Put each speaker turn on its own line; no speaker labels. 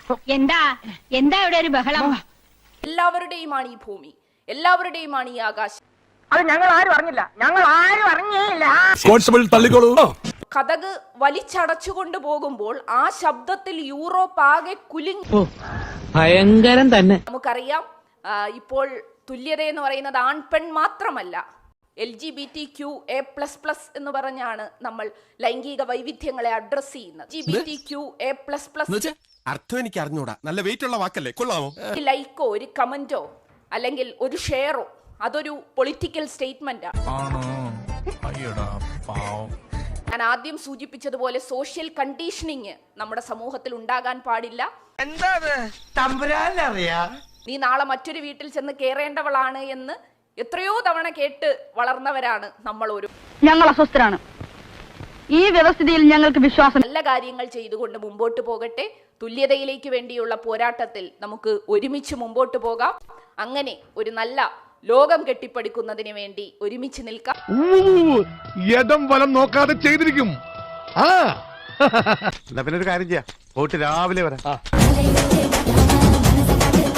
എന്താ ഇവിടെ ഒരു ബഹളം?
എല്ലാവരുടെയുമാണ് ഈ ഭൂമി, എല്ലാവരുടെയുമാണ് ഈ ആകാശം.
അത് ഞങ്ങൾ ആരും അറിഞ്ഞില്ല.
കോൺസ്റ്റബിൾ തള്ളിക്കോളൂ.
കതക് വലിച്ചടച്ചുകൊണ്ട് പോകുമ്പോൾ ആ ശബ്ദത്തിൽ യൂറോപ്പ് ആകെ കുലുങ്ങി.
ഭയങ്കരം തന്നെ.
നമുക്കറിയാം, ഇപ്പോൾ തുല്യത എന്ന് പറയുന്നത് ആൺപെൺ മാത്രമല്ല, LGBTQA++ എന്ന് പറഞ്ഞാണ് നമ്മൾ ലൈംഗിക വൈവിധ്യങ്ങളെ അഡ്രസ് ചെയ്യുന്നത്. LGBTQA++
അർത്ഥം എനിക്ക് അറിഞ്ഞൂടാ. നല്ല വെയിറ്റ് ഉള്ള വാക്കല്ലേ, കൊള്ളാമോ?
ലൈക്കോ ഒരു കമന്റോ അല്ലെങ്കിൽ ഒരു ഷെയറോ അതൊരു പൊളിറ്റിക്കൽ സ്റ്റേറ്റ്മെന്റ് ആണ്. ഞാൻ ആദ്യം സൂചിപ്പിച്ചതുപോലെ സോഷ്യൽ കണ്ടീഷനിങ് നമ്മുടെ സമൂഹത്തിൽ ഉണ്ടാകാൻ പാടില്ല. നീ നാളെ മറ്റൊരു വീട്ടിൽ ചെന്ന് കയറേണ്ടവളാണ് എന്ന് എത്രയോ തവണ കേട്ട് വളർന്നവരാണ് നമ്മൾ.
ഞങ്ങൾ അസ്വസ്ഥരാണ്. ഈ വ്യവസ്ഥിതിയിൽ ഞങ്ങൾക്ക് വിശ്വാസം.
നല്ല കാര്യങ്ങൾ ചെയ്തുകൊണ്ട് മുമ്പോട്ട് പോകട്ടെ. തുല്യതയിലേക്ക് വേണ്ടിയുള്ള പോരാട്ടത്തിൽ നമുക്ക് ഒരുമിച്ച് മുമ്പോട്ട് പോകാം. അങ്ങനെ ഒരു നല്ല ലോകം കെട്ടിപ്പടുക്കുന്നതിന് വേണ്ടി ഒരുമിച്ച് നിൽക്കാം.
യദം വലം നോക്കാതെ ചെയ്തിരിക്കും.
പിന്നെ ഒരു കാര്യം ചെയ്യാം, പോയിട്ട് രാവിലെ വരാം.